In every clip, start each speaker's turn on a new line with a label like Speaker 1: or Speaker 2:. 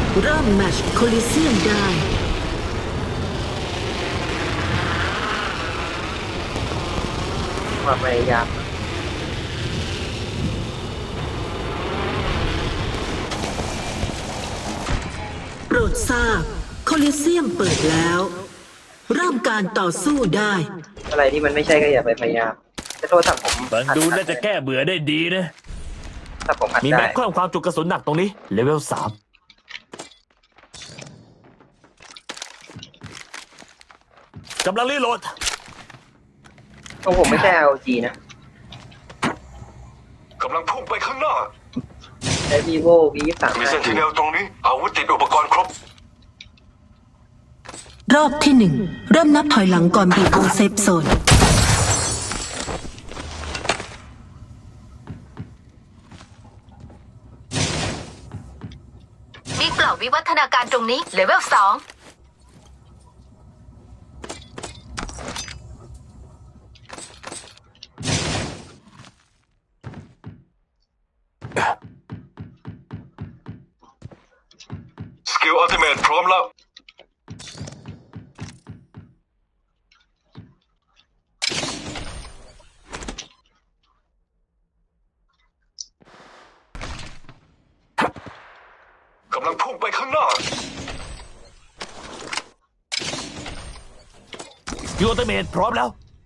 Speaker 1: เริ่มแมตช์โคลิเซียมได้
Speaker 2: ความพยายาม
Speaker 1: โปรดทราบโคลิเซียมเปิดแล้วเริ่มการต่อสู้ได้
Speaker 2: อะไรที่มันไม่ใช่ก็อย่าไปพยายามจะโทษถ้าผม
Speaker 3: ฟังดูน่าจะแก้เบื่อได้ดีนะ
Speaker 2: ถ้าผมอัด
Speaker 3: มี
Speaker 2: ได้
Speaker 3: แม็กเพิ่มความจุกระสุนหนักตรงนี้ เลเวล 3กำลังรีโหลด
Speaker 2: ของผมไม่ใช่ LG นะ
Speaker 4: กำลังพุ่งไปข้างหน้า
Speaker 2: ใช้ vivo V23
Speaker 4: มีเซนติเนลตรงนี้ อาวุธติดอุปกรณ์ครบ
Speaker 1: รอบที่หนึ่งเริ่มนับถอยหลังก่อนบีบวงเซฟโซน
Speaker 5: มีกล่องวิวัฒนาการตรงนี้เลเวล 2
Speaker 4: สกิลอัลติเมทพร้อมแล้ว กำลังพุ่งไปข้างหน้า
Speaker 3: ยูอัลเตเมทพร้อมแล้ว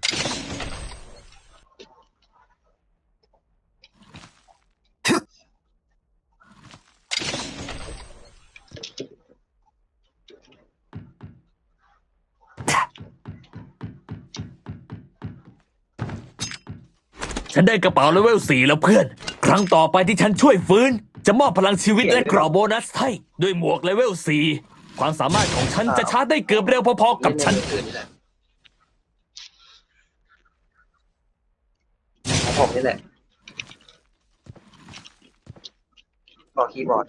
Speaker 3: ฉันได้กระเป๋าเลเวล 4 แล้วเพื่อน ครั้งต่อไปที่ฉันช่วยฟื้น จะมอบพลังชีวิตและกรอบโบนัสให้ด้วยหมวกเลเวล 4 ความสามารถของฉันจะชาร์จได้เกือบเร็วพอๆกับฉัน
Speaker 2: ของผมนี่แหละบอกคีย์บอร์ด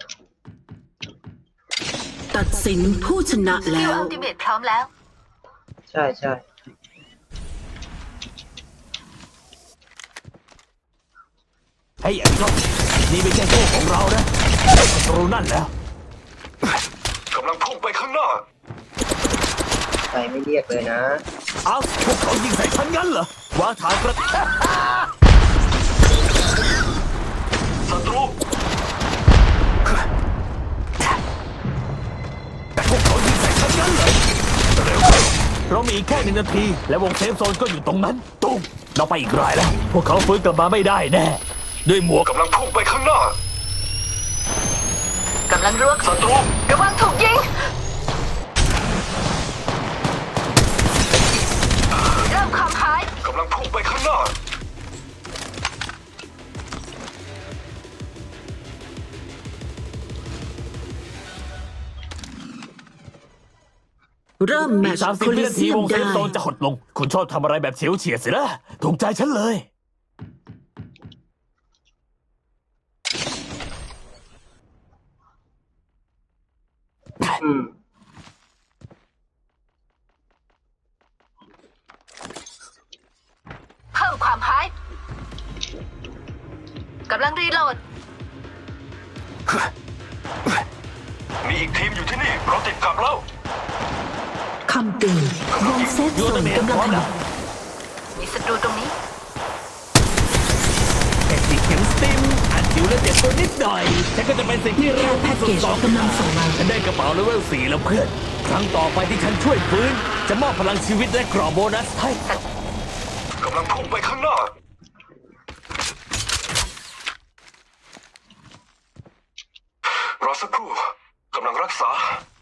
Speaker 1: ตัดสินผู้ชนะ
Speaker 5: สกิ
Speaker 1: แล้
Speaker 5: ล
Speaker 1: ว
Speaker 5: อัลติเมทพร้อมแล้ว
Speaker 2: ใช่ใช่
Speaker 3: ให้ไอ้นกนี่ไม่ใช่โชคของเรานะศัตรูนั่นแล้ว
Speaker 4: กำลังพุ่งไปข้างหน้า
Speaker 2: ใจไม่เรียกเลยนะ
Speaker 3: เอ้าพวกเขายิงใส่ฉันงั้นเหรอวางฐานกระ
Speaker 4: ศัตรู
Speaker 3: พวกเขายิงใส่ฉันงั้นเหรอเร็วเรามีอีกแค่1 นาที และวงเซฟโซนก็อยู่ตรงนั้นตุ้มเราไปอีกรายแล้ว พวกเขาฟื้นกลับมาไม่ได้แน่ด้วยหมวก
Speaker 4: กำลังพุ่งไปข้างหน้า
Speaker 5: กำลังรวก
Speaker 4: ศัตรู
Speaker 5: ระวังถูกยิงเริ่มความหาย
Speaker 4: กำลังพุ่งไปข้างหน้า
Speaker 1: เริ่มแม
Speaker 3: อี
Speaker 1: ต
Speaker 3: ก
Speaker 1: ช์โค
Speaker 3: 30 วิ
Speaker 1: ลิ
Speaker 3: นาที
Speaker 1: เซียม
Speaker 3: วงเซ
Speaker 1: ได้
Speaker 3: ฟโซนจะหดลง คุณชอบทำอะไรแบบเฉียวเฉียดสินะถูกใจฉันเลย
Speaker 2: อืม
Speaker 5: เพิ่มความหายกำลังรีโหลด
Speaker 4: มีอีกทีมอยู่ที่นี่ เราติดกลับแล้ว
Speaker 1: คำเตือนวงเซฟ
Speaker 3: ยู
Speaker 1: โซ
Speaker 3: อัลเต
Speaker 1: น
Speaker 3: เมท
Speaker 1: กำ
Speaker 3: พ
Speaker 1: ลัง
Speaker 3: ร้อม
Speaker 1: ข
Speaker 3: แล้
Speaker 1: ยั
Speaker 3: ว
Speaker 1: บ
Speaker 5: มีศัตรูตรงนี้
Speaker 3: แค่ติดเข็มสติมอัดจิ๋วและเจ็บตัวนิดหน่อย ฉันก็จะเป็นสิ่งที่
Speaker 1: แค่แพ็กเกจกำลังส่งมา
Speaker 3: ฉันได้กระเป๋าเลเวล 4 แล้วเพื่อน ครั้งต่อไปที่ฉันช่วยฟื้น จะมอบพลังชีวิตและกรอบโบนัสให้
Speaker 4: กำลังพุ่งไปข้างหน้า รอสักครู่ กำลังรักษา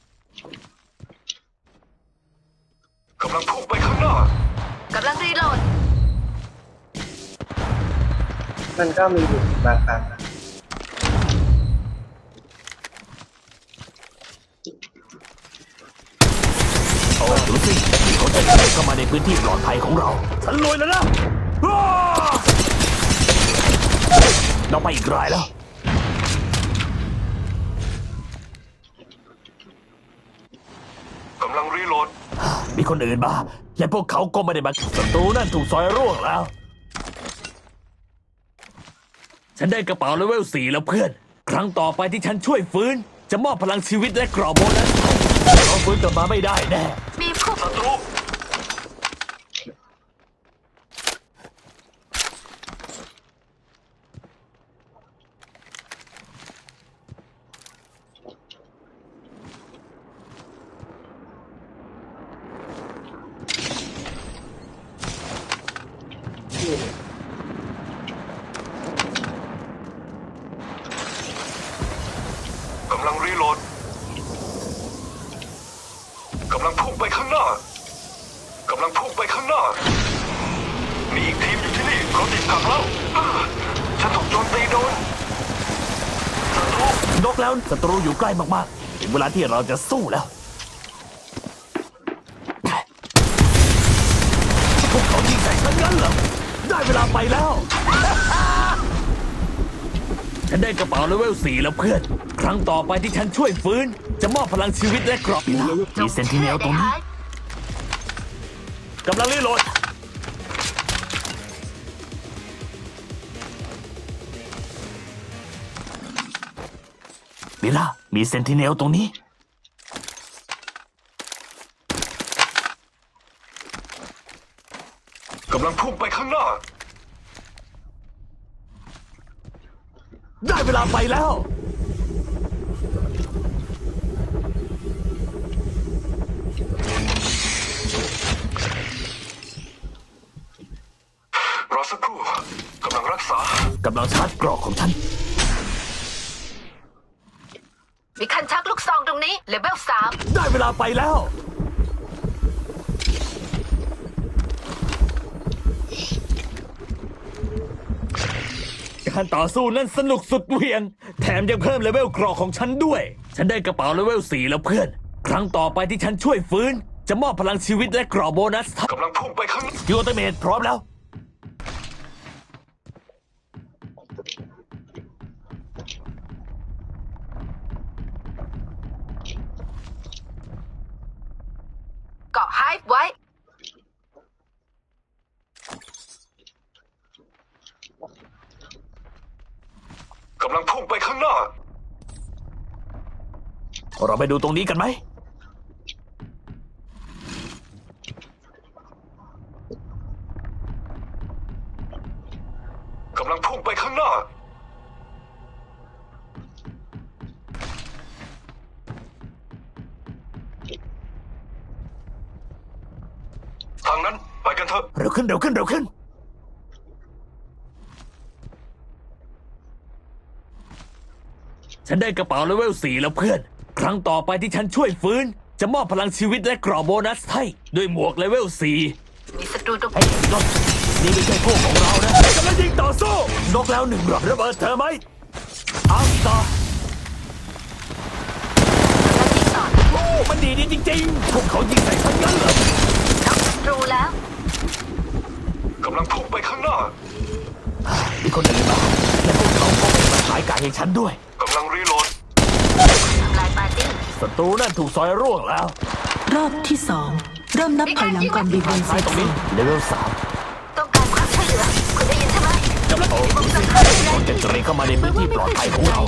Speaker 4: กำลังพุ่งไปข้างหน้า
Speaker 5: กำลังรีโหลด
Speaker 2: มันก็มีอยู่บางครั้งนะ
Speaker 3: โอ้ดูสิเขาจะเข้ามาในพื้นที่ปลอดภัยของเรา ฉันรวยแล้วนะอ้าเราไปอีกรายแล้ว
Speaker 4: กำลังรีโหลด
Speaker 3: มีคนอื่นมา และพวกเขาก็ไม่ได้มาศัตรูนั่นถูกซอยร่วงแล้ว ฉันได้กระเป๋าเลเวล 4 แล้วเพื่อน ครั้งต่อไปที่ฉันช่วยฟื้น จะจะมอบพลังชีวิตและกรอบโบนัสเราฟื้นกลับมาไม่ได้แน่
Speaker 5: มีผู้
Speaker 4: ศัตรู กำลังรีโหลด กำลังพุ่งไปข้างหน้า กำลังพุ่งไปข้างหน้า มีอีกทีมอยู่ที่นี่เราติดขัดแล้วฉันถูกโจมตีโดนศัตรู
Speaker 3: นกแล้วศัตรูอยู่ใกล้มากๆถึงเวลาที่เราจะสู้แล้วพวกเขายิงใส่ฉันงั้นเหรอได้เวลาไปแล้ว ฉันได้กระเป๋าเลเวล 4 แล้วเพื่อน ครั้งต่อไปที่ฉันช่วยฟื้น จะมอบพลังชีวิตและกรอบมีเซนติเนลตรงนี้กำลังรีโหลด มิล่ามีเซนติเนลตรงนี้
Speaker 4: กำลังพุ่งไปข้างหน้า
Speaker 3: ได้เวลาไปแล้ว
Speaker 4: รอสักครู่ กำลังรักษา
Speaker 3: กำลังชาร์จกรอกของฉัน
Speaker 5: มีคันชักลูกซองตรงนี้เลเวล 3
Speaker 3: ได้เวลาไปแล้ว การต่อสู้นั้นสนุกสุดเหวี่ยง แถมยังเพิ่มเลเวลกรอกของฉันด้วย ฉันได้กระเป๋าเลเวล 4 แล้วเพื่อน ครั้งต่อไปที่ฉันช่วยฟื้น จะมอบพลังชีวิตและกรอบโบนัส
Speaker 4: กำลังพุ่งไปข้างหน้า
Speaker 3: ยูเตเมทพร้อมแล้ว
Speaker 5: เกาะไฮฟ์ไว้
Speaker 4: กำลังพุ่งไปข้างหน้า
Speaker 3: เราไปดูตรงนี้กันไหม
Speaker 4: กำลังพุ่งไปข้างหน้า ทางนั้นไปกันเถอะ
Speaker 3: เร็วขึ้นเร็วขึ้นเร็วขึ้น ฉันได้กระเป๋าเลเวล 4 แล้วเพื่อน ครั้งต่อไปที่ฉันช่วยฟื้น จะมอบพลังชีวิตและกรอบโบนัสให้ด้วยหมวกเลเวล 4
Speaker 5: มีศัตรูตรง
Speaker 3: เฮ้ยนกนี่ไม่ใช่พวกของเรานะกำลังยิงต่อสู้ นกแล้วหนึ่งหรอระเบิดเธอไหมอัลตา
Speaker 5: กำลังยิงต่อ
Speaker 3: โอ้มันดีจริงๆ พวกเขายิงใส่ฉันงั้นเหรอ
Speaker 5: น็อกศัตรูแล้ว
Speaker 4: กำลังพุ่งไปข้างหน้า
Speaker 3: มีคนอื่นมาและพวกเขาก็ไม่มาขายไก่ให้ฉันด้วย
Speaker 4: กำลังรีโหลด
Speaker 5: ทำลายปาร์ตี้
Speaker 3: ศัตรูนั่นถูกซอยร่วงแล้ว
Speaker 1: รอบที่ 2 เริ่มนับถอยหลังก่อนบีบวงเส
Speaker 3: ซ้าย
Speaker 1: ร็จ
Speaker 3: ตรงนี้
Speaker 1: สิ้น
Speaker 3: เลเวล
Speaker 5: ต้องการความช่วยเหลือ คุณได้ยินใช่ไหม
Speaker 3: 3กำลังโอ้คนจะตรีเข้ามาในพื้นที่ปลอดภัยของเรา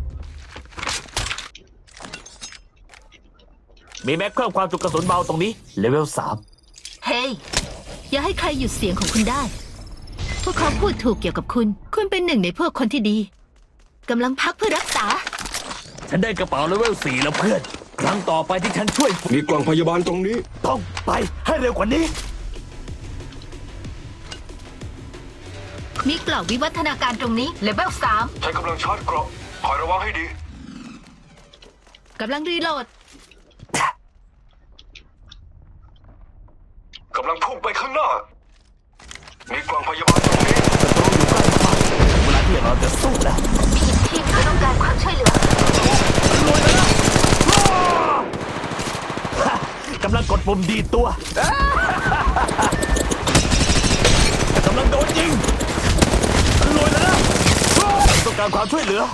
Speaker 3: มีแม็กเพิ่มความจุกระสุนเบาตรงนี้เลเวล
Speaker 6: เฮ้ยอย่าให้ใครหยุดเสียงของคุณได้ พวกเขาพูดถูกเกี่ยวกับคุณ คุณเป็นหนึ่งในพวกคนที่ดี กำลังพักเพื่อรักษา
Speaker 3: 3 ฉันได้กระเป๋าเลเวล 4 แล้วเพื่อน ครั้งต่อไปที่ฉันช่วย
Speaker 7: มีกล่องพยาบาลตรงนี้
Speaker 3: ต้องไปให้เร็วกว่านี้
Speaker 6: มีกล่องวิวัฒนาการตรงนี้
Speaker 5: เลเวล
Speaker 4: ใช้กำลังชาร์จเกราะคอยระวังให้ดี
Speaker 6: กำลังรีโหลด
Speaker 4: กำลังพุ่งไปข้างหน้า มีกล่องพยาบาลตรงนี้
Speaker 3: ศัตรูอยู่ใกล้มากถึงเวลาที่เราจะสู้แล้ว
Speaker 5: 3 มีอีกทีมที่ต้องการความช่วยเหลือ
Speaker 3: รวยแล้วนะกำลังกดปุ่มดีดตัว กำลังโดนยิงรวยแล้วนะต้องการความช่วยเหลือ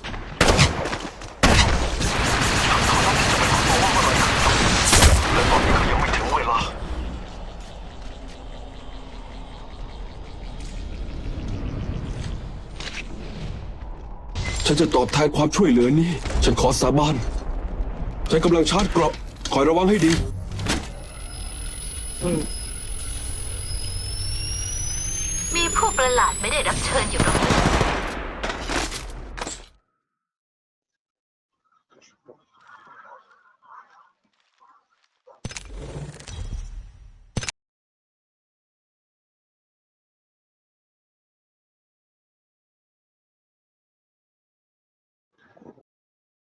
Speaker 4: และตอนนี้ก็ยังไม่ถึงเวลา
Speaker 7: ฉัฉันจะตอบแทนความช่วยเหลือนี้ ฉันขอสาบานฉันกำลังชาร์จเกราะคอยระวังให้ดี
Speaker 5: มีผู้ประหลาดไม่ได้รับเชิญอยู่ตรงนี้